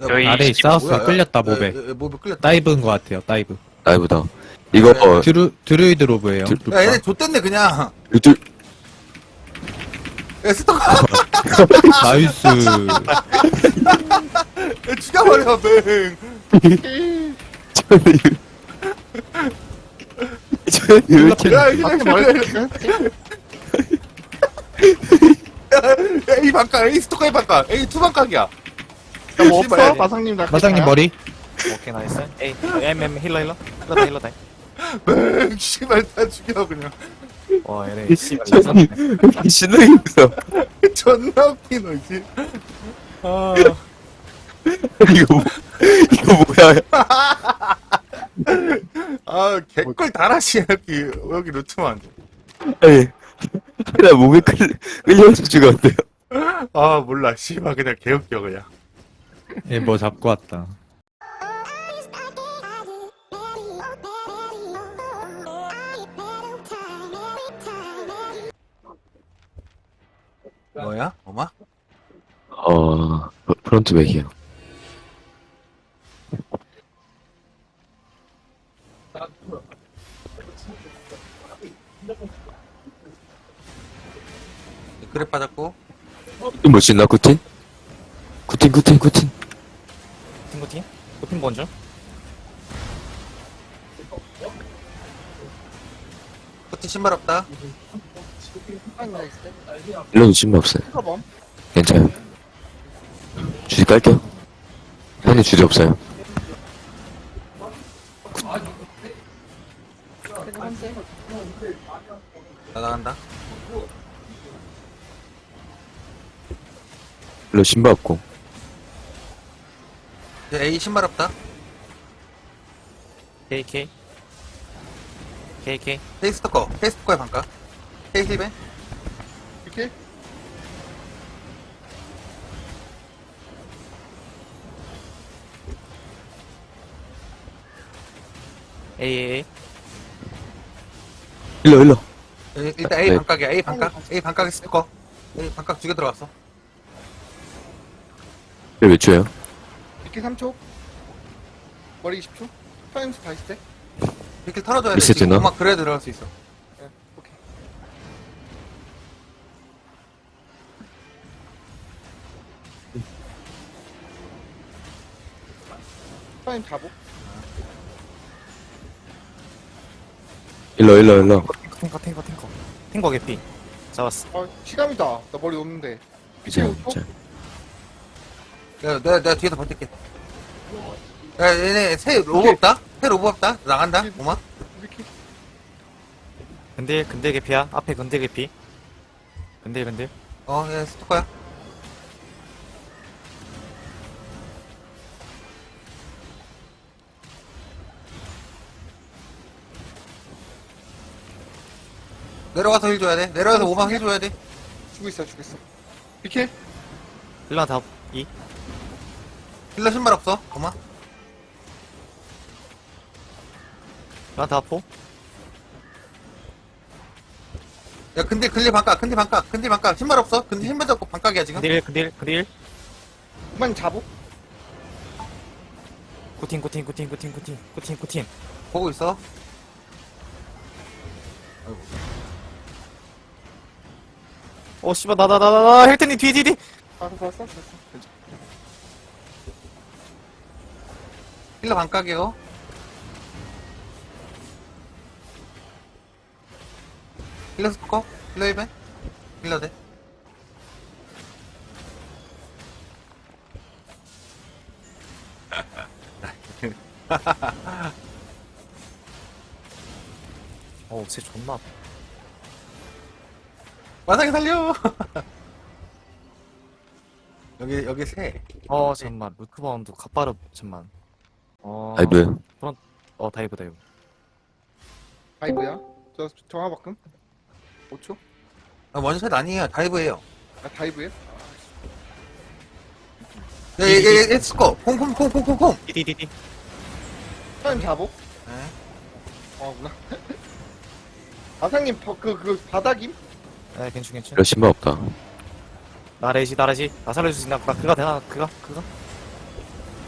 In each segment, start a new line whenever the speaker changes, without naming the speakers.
저희
아래에 사우스에
뭐야,
끌렸다 모베.
모베 끌렸다.
다이브인 것 같아요. 다이브.
라이브다. 이거
드루이드 로브예요.
야, 얘네 좆됐네, 그냥.
유튜브
야, 스토커.
나이스.
야, 죽여버려, 뱅.
저는 왜 이렇게
야, A 반각, A 스토커 A 반각, A 투 반각이야.
뭐 없어? 마상님 나
마상님 머리.
오케이 나이스 에이 힐러 힐러다 힐러다
뱅, 씨발, 다 죽여, 그냥.
와 얘네 씨발
저는 신나게 있어.
존나 웃기노, 씨. 아.
이거 뭐야?
아, 개꿀 달아시, 여기 루트만.
아니, 나 목에 끌려서 죽었는데요.
아, 몰라, 씨발, 그냥 개웃겨, 그냥.
예, 뭐 잡고 왔다.
뭐야? 엄마?
프론트 백이요.
그래 빠졌고.
이거 뭐지, 나 구틴? 구틴.
팀구팀? 팀 먼저?
코트 신발 없다.
일러도 신발 없어요.
커범.
괜찮아요. 주디 깔게요. 형님 주디 없어요.
나 나간다.
일러 신발 없고.
이제 A 신발 없다.
KK
K 스토커의 반각. K 힐벤.
이렇게?
AA
일러.
일단 A
네.
반각이야. A 반각의 스토커. A 반각 두 개 들어갔어.
몇 초예요?
이렇게 3초. 머리 20초. 타임스 다 있을 때.
이렇게 털어줘야 돼.
리셋
지금
되나?
음악 그래야 들어갈 수 있어.
네, 오케이. 타임 잡고.
일러.
탱거 개피 잡았어
아, 시감이다. 나 머리 없는데.
자.
내가 뒤에서 버틸게. 야, 얘네 새 로브 없다? 새 로브 없다? 나간다? 음악?
이렇게.
근딜 개피야 앞에 근딜 개피 근딜
얘 스토커야. 내려가서 힐 줘야 돼. 내려가서 오막 힐 줘야 돼.
주고 있어. 이렇게.
힐러 다 2.
힐러 신발 없어. 오막.
힐러 다 포.
야, 근데 근리 반각. 신발 없어. 근데 신발 잡고 반각이야, 지금.
근딜
그만 잡고.
구팀
보고 있어.
씨발 나 헬튼님 뒤
알았어.
힐러 반각이요. 힐러 스토커. 힐러 1벤. 힐러 대.
쟤 존나
마상이 살려. 여기 새.
잠만 루트 바운드 갓바르 잠만
라이브.
다이브
다이브야. 저 정화바꿈. 5초.
원샷 아니에요. 다이브예요.
아, 다이브야?
얘 스코. 콩.
디디디디
타임 잡고.
네.
구나. 마상님, 그 바닥임?
괜찮
일러 신발 없다.
나래지 나 살려줄 수 있나 그가 되나 그가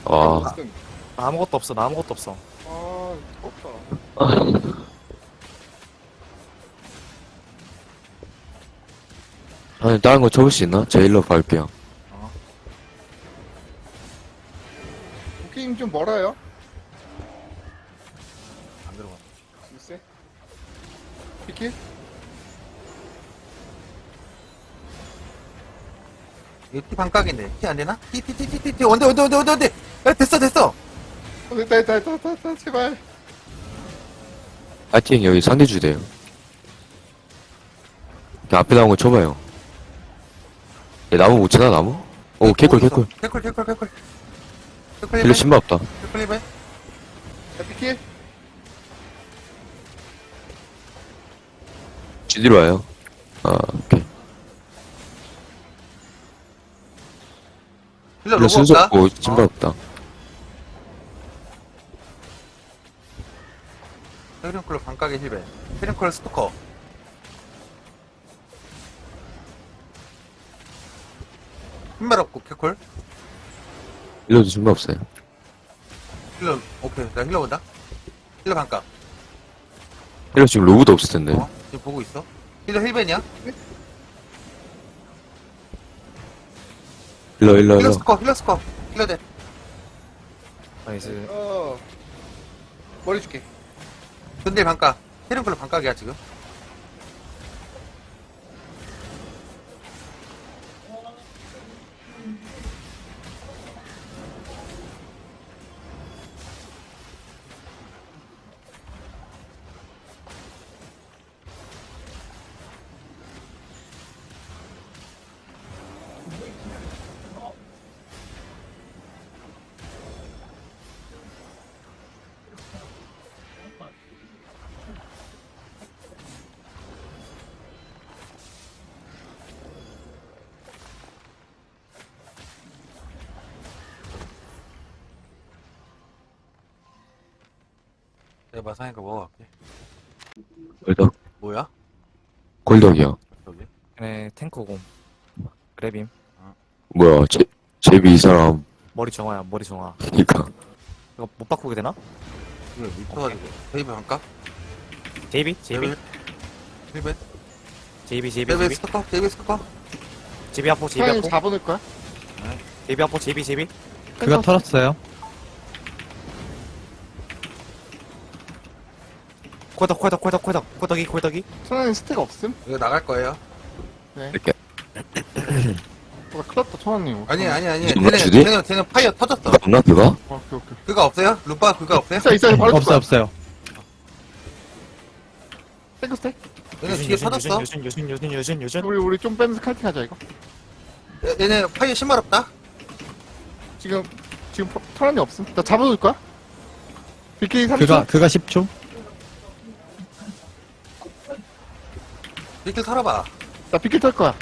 와.
무슨.
나 아무것도 없어. 나 아무것도 없어.
아, 떴다.
아니, 다른 거 접을 수 있나? 제일로 갈게요.
게임 좀 멀어요.
안 들어가.
글쎄. 비킬?
이거 티 반각인데. 티 안 되나? 티. 원대. 야, 됐어.
됐다. 제발.
파이팅, 여기 상대 주대요. 그 앞에 나온 거 쳐봐요. 얘 나무 못 치나, 나무? 오, 개꿀.
개꿀.
힐러 신발 없다.
개꿀 해봐.
야, 비킬?
GD로 와요. 아, 오케이.
힐러
힐러
로고
순서
없다.
없고, 신발 없다.
헤링클로 반각의 힐베. 헤링클로 스토커. 흰말 없고 개꿀.
힐러도 신발 없어요.
힐러 오케이. 나 힐러 본다. 힐러 반각.
힐러 지금 로브도 없을 텐데.
지금 보고 있어. 힐러 힐벤이야?
힐러.
힐러 스커. 힐러 대.
나이스.
머리 줄게.
근데 반각. 헤링클로 반각이야 지금. 내가 마상이니까 먹어갈게.
골덕.
뭐야?
골덕이요.
여기?
네, 탱커곰. 그래빔.
뭐야, 제비 이 사람.
머리 정화야, 머리 정화.
그니까.
이거 못 바꾸게 되나?
이거 미쳐가지고. 베이비 반각?
제이비?
힐벤?
제이비?
제이비 스토커?
제이비 아포,
사장님 4번일 거야?
제이비 아포, 제이비.
그가 털었어요.
코덕이.
천안님 스택 없음?
이거 나갈 거예요.
이렇게.
뭐가 큰일 났다, 천안님.
아니.
이거 주디?
쟤는 파이어 터졌어.
그거 없나, 그거?
오케이.
그거 없어요? 루파 그거 없어요?
있어. 바로 줄 거야.
없어요.
탱크 스택?
얘네 뒤에 터졌어.
유준.
우리 좀 빼면서 칼팅 하자, 이거.
얘네 파이어 신발 없다?
지금 천안님 없음. 나 잡아줄 거야? 비킬 3초?
그가 10초?
이렇게 털어봐.
나 비킬 털 거야.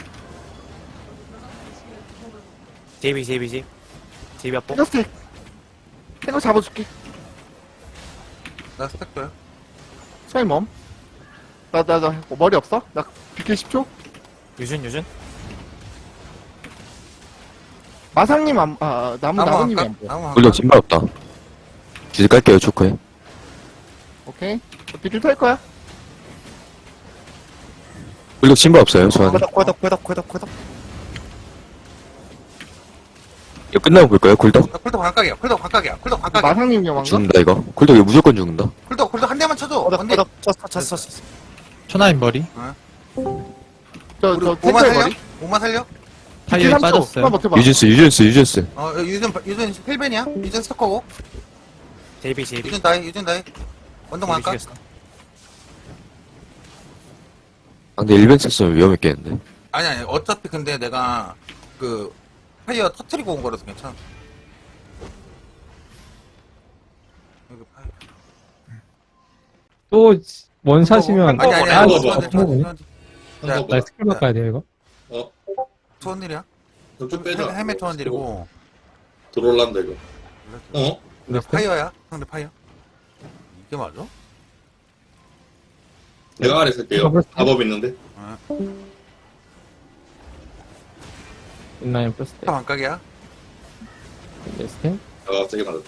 제이비 아포.
탱크 스택. 탱크 잡아줄게.
나 스택 줘요.
천안님 멈. 나 머리 없어? 나 비킬 10초?
유준.
마상님 나무님이 안 보여.
나무
골덕 신발 없다. GD 깔게요, 초코에.
오케이. 나 비킬 털 거야.
골덕 신발 없어요, 저한테.
코덕.
이거 끝나고 볼까요, 골덕?
콜도 반각이야. 콜도 반각이야.
마상님 위험한가?
죽는다, 이거. 골덕 이거 무조건 죽는다.
콜도 한 대만 쳐줘. 언니.
쳤어.
천하인 머리.
저
우리 오만
탱크의
살려?
머리?
오만 살려?
타이어 빠졌어요.
한번 버텨봐.
유준스.
유준 힐벤이야? 유준 스토커고.
제이비.
유준 다이. 원동 반각.
근데 일벤 썼으면 위험했겠는데.
아니. 어차피 근데 내가 그 파이어 터트리고 온 거라서 괜찮아. 여기 파이어.
또 원샷이면
아니.
아,
자,
스킬 바꿔야 돼요 이거?
투원딜이야?
좀 빼자.
헬멧 투원딜이고.
들어올란다 이거. 어?
파이어야? 상대 파이어? 이게 맞아?
내가 아래 쓸게요. 답업 있는데.
인라인 플러스
타 반각이야?
네 스택
아, 세게 맞았다.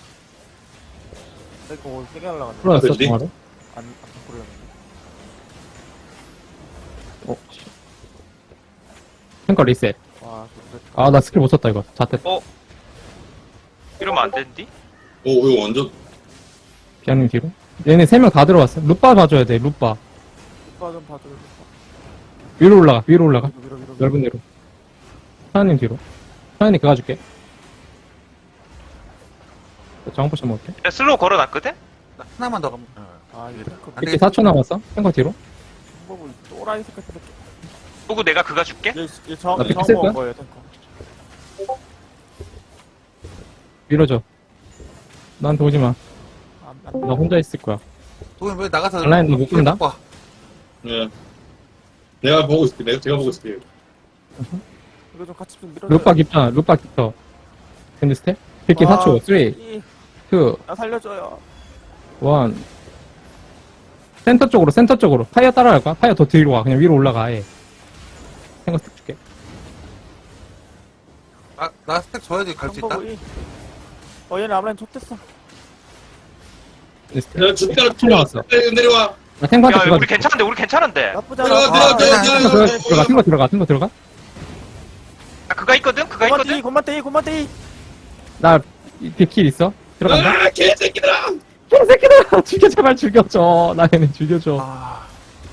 이거 세게 날라갔네.
풀어놨어,
그지?
동화로?
안 풀렸는데.
어, 씨. 탱커 리셋.
와,
아, 나 스킬 못 썼다, 이거. 잣됐다.
이러면 안 되는디?
오, 이거 완전.
비아님 뒤로. 얘네 3명 다 들어왔어. 루빠 봐줘야 돼, 루빠.
오빠 좀 봐줘요.
위로 올라가, 위로 올라가.
밀어.
넓은 데로. 하나님 뒤로. 하나님 그거 줄게. 정한 포션 먹을게.
내가 슬로우 걸어놨거든?
나 하나만 더 가면.
아, 이거 탱커
안
이렇게
되겠다.
4초 남았어. 탱커 뒤로.
보고 또라이 색깔 새끼.
보고 내가 그가 줄게?
얘저
나 픽셀
먹은
거야?
거예요, 탱커.
밀어줘. 나한테 오지 마.
안
나 혼자 있을 거야.
도현 왜 나가서.
온라인 너못 끈다?
봐.
예. 내가 보고 있을게. 제가 보고 있을게.
이거 좀 같이 좀 밀어.
루빠 깊잖아. 루빠 깊어. 근데 스텝? 픽기 4초. 3, 2, 1.
나 살려줘요.
센터 쪽으로. 파이어 따라갈 거야? 파이어 더 뒤로 가. 그냥 위로 올라가, 아예. 탱커 스택 줄게.
나 스택 줘야지 갈 수 있다.
얘네 앞라인 좆됐어.
근데 스텝.
내가 죽다가
4초 남았어.
내려와.
나 탱커한테
야,
그거
우리 괜찮은데, 우리 괜찮은데?
나쁘지
야,
않아.
탱커 들어가. 탱커 들어가.
아, 그가 있거든? 그가 있거든?
곰만떼이.
나, 빅킬 있어? 들어간다?
아, 개새끼들아!
개새끼들아! 죽여, 제발 죽여줘. 나 얘네 죽여줘.
아,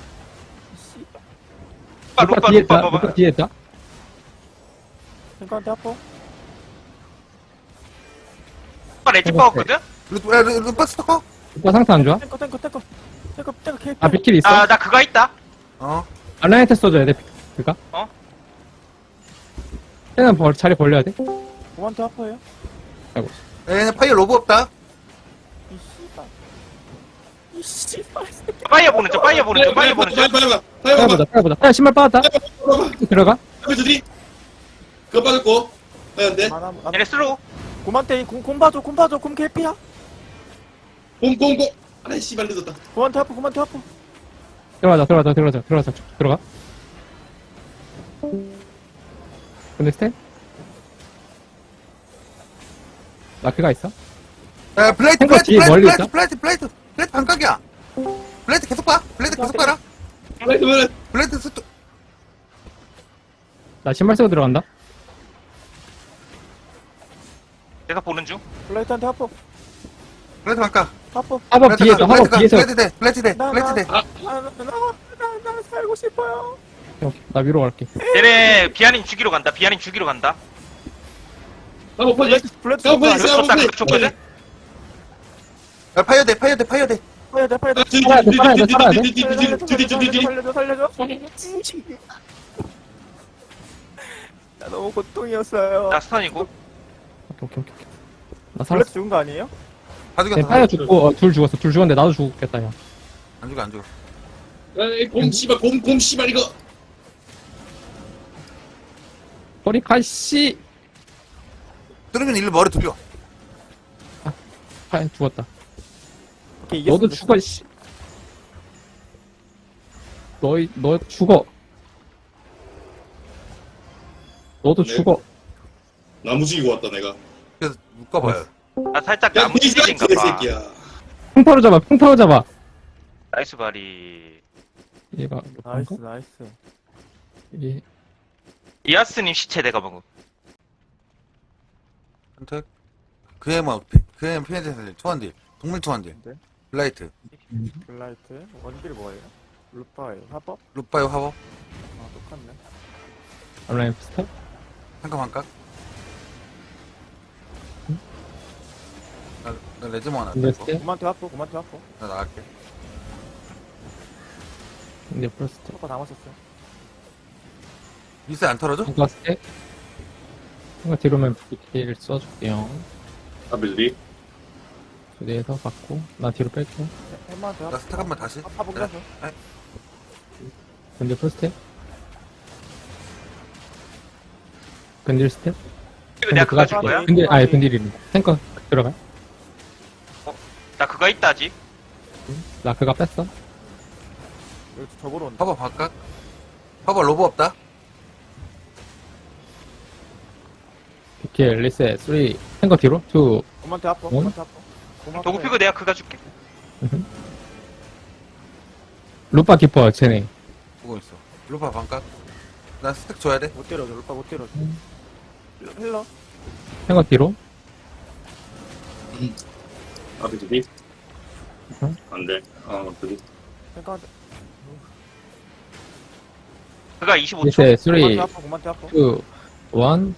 루빠,
뒤에
루빠
있다.
봐봐.
루빠 뒤에 있다.
탱커한테 아파.
루빠 레지 빠웠거든?
루파 스토커?
루빠 상태 안 좋아?
탱커 개피.
아, 빅킬 있어?
아, 나 그가 있다.
어.
알라인한테 써줘야 돼, 그니까?
어?
쟤는 자리 벌려야 돼?
곰한테 아파요.
얘네 파이어 로브 없다.
이 씨발 새끼.
파이어 보는 중.
빨리.
따라보자. 야, 신발 빠졌다? 들어가?
주디. 그거 빠졌고. 안 돼.
얘네 슬로우.
곰한테 곰 봐줘. 곰 개피야.
공. 아이, 씨발, 늦었다.
곰한테 아파.
들어가. 근데 스텝? 나 그가 있어?
야, 블레이트
탱커 뒤에 멀리 있다?
블레이트 반각이야. 블레이트 계속 봐. 블레이트 계속 봐라.
빨리.
블레이트 스토.
나 신발 쓰고 들어간다?
내가 보는 중.
블라이트한테 아파.
블레이트 반각.
합업 뒤에 있어, 합업 뒤에서.
블레이트 돼.
나 살고 싶어요.
오케이, 나 위로 갈게.
얘네 비아닌 죽이러 간다.
아, 빨리.
블레이트
야, 빨리.
그거 쳤다. 그거 쳤거든?
야, 파이어 돼.
파야 돼.
살아야 돼.
살려줘. 나 너무 고통이었어요.
나 스턴이고.
오케이. 나
블레이트
살았어.
죽은 거 아니에요?
다
네,
죽였어.
파이어 죽고, 둘 죽었어. 둘 죽었는데 나도 죽겠다, 야.
안 죽어.
곰, 씨발, 이거.
머리 가씨!
뚫으면 일로 머리 돌려.
파이어 죽었다.
오케이,
너도
이겼습니다.
죽어, 씨. 너 죽어. 너도
네.
죽어.
나무지기고 왔다, 내가.
그래서 묶어봐요.
나 살짝
야,
나무 찢어진가 봐.
개새끼야.
풍타로 잡아.
나이스 바리.
얘가,
나이스.
얘,
이아스님 시체 내가 먹음.
선택. 그애 피해자 살려. 투한딜. 동물 투한딜.
네.
블라이트.
블라이트. 원딜 뭐예요? 루파예요. 합법?
루파요 화법.
아, 똑같네.
온라인 스텝?
반각. 나 레즈모 하나.
근데
떼고.
스텝?
곰한테 아파.
나 나갈게.
근데 플러스 스텝.
토커 다 맞췄어요.
미스 안 털어줘?
이거 스텝? 이거 뒤로면 BK를 써줄게요.
아빌리.
두 대에서 받고, 나 뒤로 뺄게.
햄마한테
나
아파.
스택 한번 다시.
아파 보겠어.
근데 플러스 스텝? 근딜 스텝?
이거 내가 그가 줄 거야?
근딜이네. 탱커 들어가.
나 그가 있다 아직.
나 그가 뺐어.
여기 저보러 온다.
화법 반각. 화법 로브 없다.
비킬, 리셋, 3, 탱거 뒤로, 2,
곰한테 아파.
응?
곰한테 아파. 곰한테
도구 피고 내가 그가 줄게.
루파 키퍼, 쟤네.
보고 있어. 루파 반각. 나 스택 줘야 돼.
못 때려줘. 루파 못 때려줘. 힐러.
탱거 뒤로,
아, 그지?
응?
안 돼. 그지?
탱커한테.
그가 25초.
리셋, 3, 2,
곰한테 아파. 곰한테 아파.
1,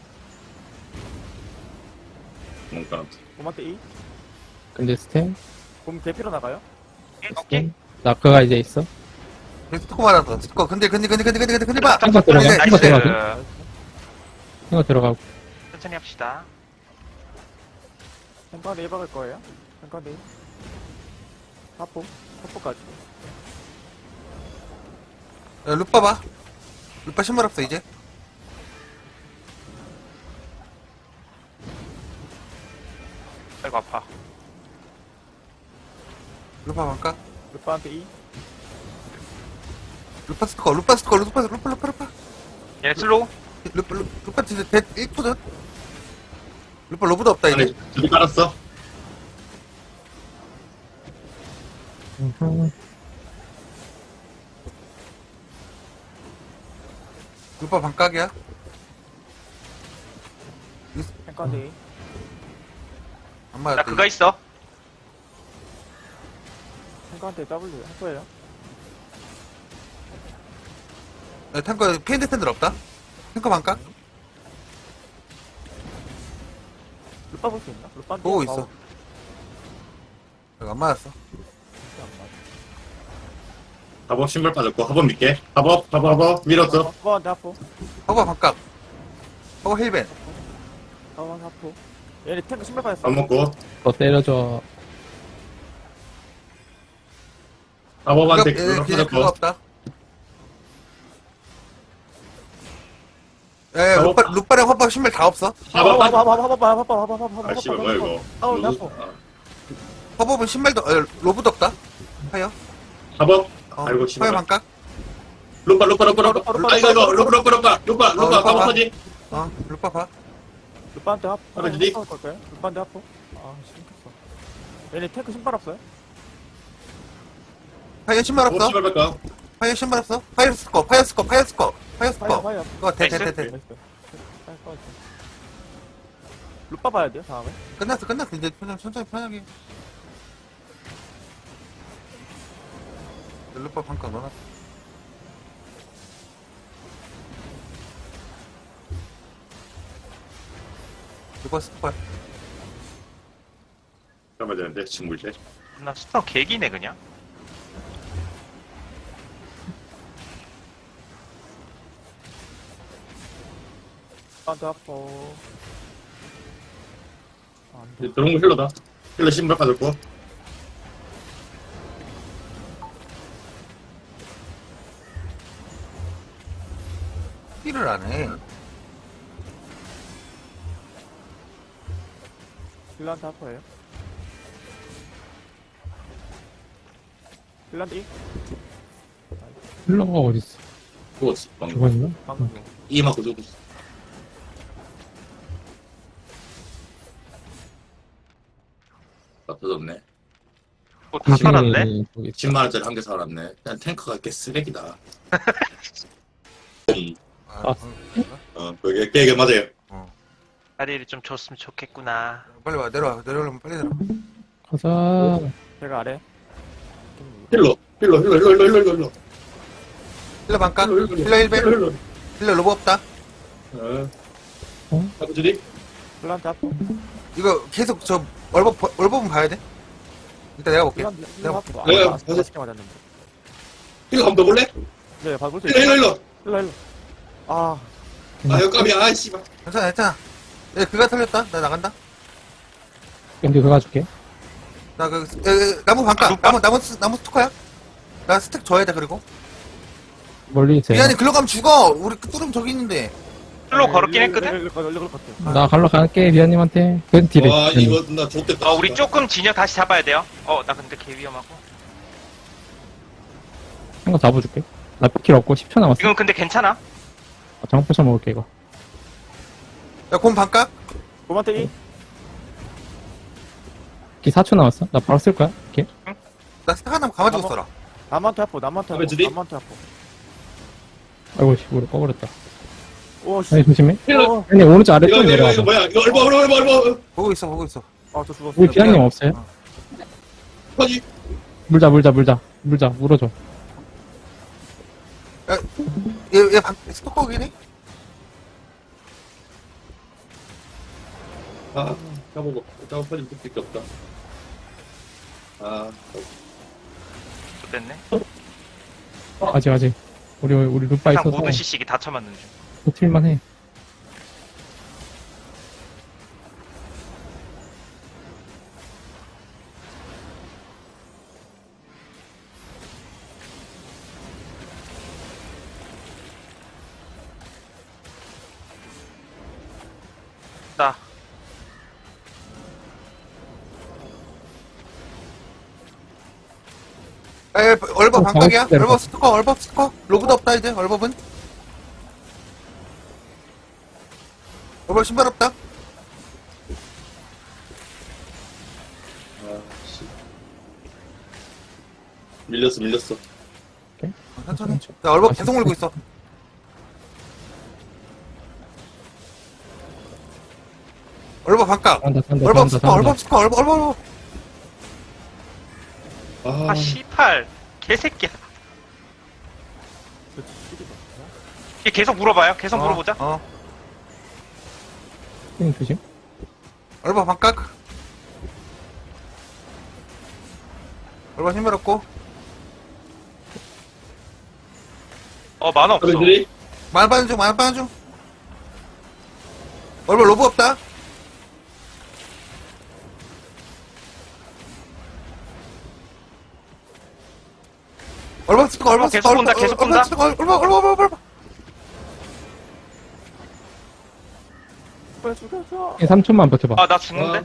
뭔가.
곰한테 2.
근데 스템,
곰 대피로 나가요.
오케이.
나크가 이제 있어.
스티커 맞았어. 스티커. 근데 봐.
탱거 들어가,
나이스.
탱거 들어가고,
나이스.
탱거 들어가고.
천천히 합시다.
탱커한테 1 박을 거예요. 탱커한테 1. 하포. 하포까지.
야, 루파 봐. 루파 신발 없어, 이제.
아이고 아파.
루파 반각.
루파한테 2.
루파 스티커. 루파.
얘네 슬로우.
루파 진짜 대 1푸드. 루파 로브도 없다, 이제.
아니, 저기 깔았어.
루파 반각이야.
탱커한테 2.
안
나
맞았다.
그가 있어.
탱커한테 W 할 거예요.
야, 탱커, 피엔드 팬들 없다? 탱커 반각?
루파 볼 수 있나? 루파한테
보고 있어. 안 맞았어.
합업 신발 빠졌고, 합업 믿게. 합업. 밀었어.
곰한테 아파.
허버 반각. 허버 힐벤.
곰한테 아파. 얘네 탱커 신발 빠졌어.
밥 먹고.
더 때려줘.
합업한테
얘네
그거
기재 그거
빠졌고.
없다. 야,
허버.
루파랑 허버 신발 다 없어.
합업 빠졌어.
하봐.
아, 씨발, 뭐야, 이거.
아우, 나 아파.
허버는 신발도, 로브도 없다. 하여.
합업.
어,
아이고,
하여
씨발.
반각.
루파. 루파. 이거, 루파.
루파
합업
봐.
하지?
루파 봐.
루파한테 아파.
하나 주디?
걸까요? 루파한테 아파. 아, 신켰어. 얘네 탱커 신발 없어요?
하여 신발
합업
없어.
신발 뺄까?
하여 신발 없어. 하여 스커.
파이어.
그거 대.
나이스. 루파 봐야 돼요, 다음에.
끝났어. 이제 천천히 편하게. 루파 반각 넣어놨어. 루파 스파.
잡아야 되는데, 친구이제.
나 스터 개기네 그냥.
루파한테 아파. 안 돼.
들어온 거 힐러다. 힐러 신발 빠졌고.
힐을 안 해.
힐러한테 아파요. 힐러한테 1.
힐러가 어딨어?
죽었어. 방금.
죽었나?
방금.
이 맞고 죽었어. 다 터졌네.
다 살았네.
10만원짜리 한 개 살았네. 그냥 탱커가 꽤 쓰레기다.
아,
그게 깨게 맞아요.
자리를 좀 줬으면 좋겠구나.
빨리 와. 내려오려면 빨리 내려와.
가자.
제가 아래.
힐러.
힐러 반각. 힐러 1배. 힐러 로브 없다.
아버지
힐러한테 아파.
이거 계속 얼버분 봐야 돼. 일단 내가 볼게.
힐러 아파.
내가
아,
가서-
5개 맞았는데.
힐러 한번 더 볼래?
네, 봐볼 수 있어.
힐러.
힐러. 아,
아, 역감이야. 아, 씨발.
괜찮아. 얘 그가 털렸다. 나 나간다.
근데 그거 가줄게.
나 나무 반각. 나무 스토커야. 나 스택 줘야 돼. 그리고
멀리 있어요.
미안해. 글로 가면 죽어. 우리 뚜름 저기 있는데.
슬로우 걸었긴 했거든.
힐러 걸 것 같아.
나 갈러 갈게, 비아님한테. 그 딜에.
와, 이거 나 좋겠다.
우리 조금 진영 다시 잡아야 돼요. 나 근데 개 위험하고.
한거 잡아줄게. 나 피킬 없고 10초 남았어.
지금 근데 괜찮아.
장포차 먹을게, 이거.
야, 곰 반각.
고마테기.
기 4초 남았어. 나 바로 쓸 거야. 이렇게.
나 스택 하나 가가지고 써라.
남한테 아포, 남한테 아포,
아버지리?
남한테 아포.
아이고, 씨, 우리 꺼버렸다.
오, 씨.
아니, 조심해.
어,
아니, 오른쪽 아래
이거,
좀
이거,
내려와.
이거 뭐야? 이거 얼마.
보고 있어, 보고 있어.
아, 저 죽었어.
우리 기한님 없어요?
터지.
물자, 물어줘.
얘 스토커기네?
아, 까먹어. 까먹어 터지 못 밖에 없다. 아,
됐네.
아직. 우리 루파
항상
있어서
모든 CC기 다 쳐맞는 중.
버틸만 해.
나.
에, 얼버 반각이야?
방금
얼버 스토커. 로브도 없다, 이제, 얼버은. 얼버 신발 없다.
아, 씨. 밀렸어.
천천히. 나 얼버 계속 물고 있어. 얼버 반각.
산다.
얼버 스토커, 얼버.
아, 씨팔. 개새끼야. 얘 계속 물어봐요. 계속 물어보자.
조심.
얼버 반각. 얼버 신발 없고.
만화 없어.
터지들이?
말반 중. 얼버 로브 없다. 얼버 스토커, 얼버
계속
스토커,
본다, 계속 본다.
얼버.
빨리 죽여줘.
3초만 버텨봐.
아, 나 죽는데?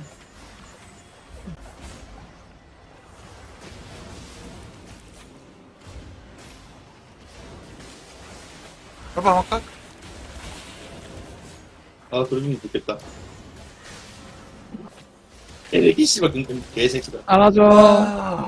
얼버 반각.
아, 돌리면 좋겠다. 애기 씨발, 개새끼다.
알아줘.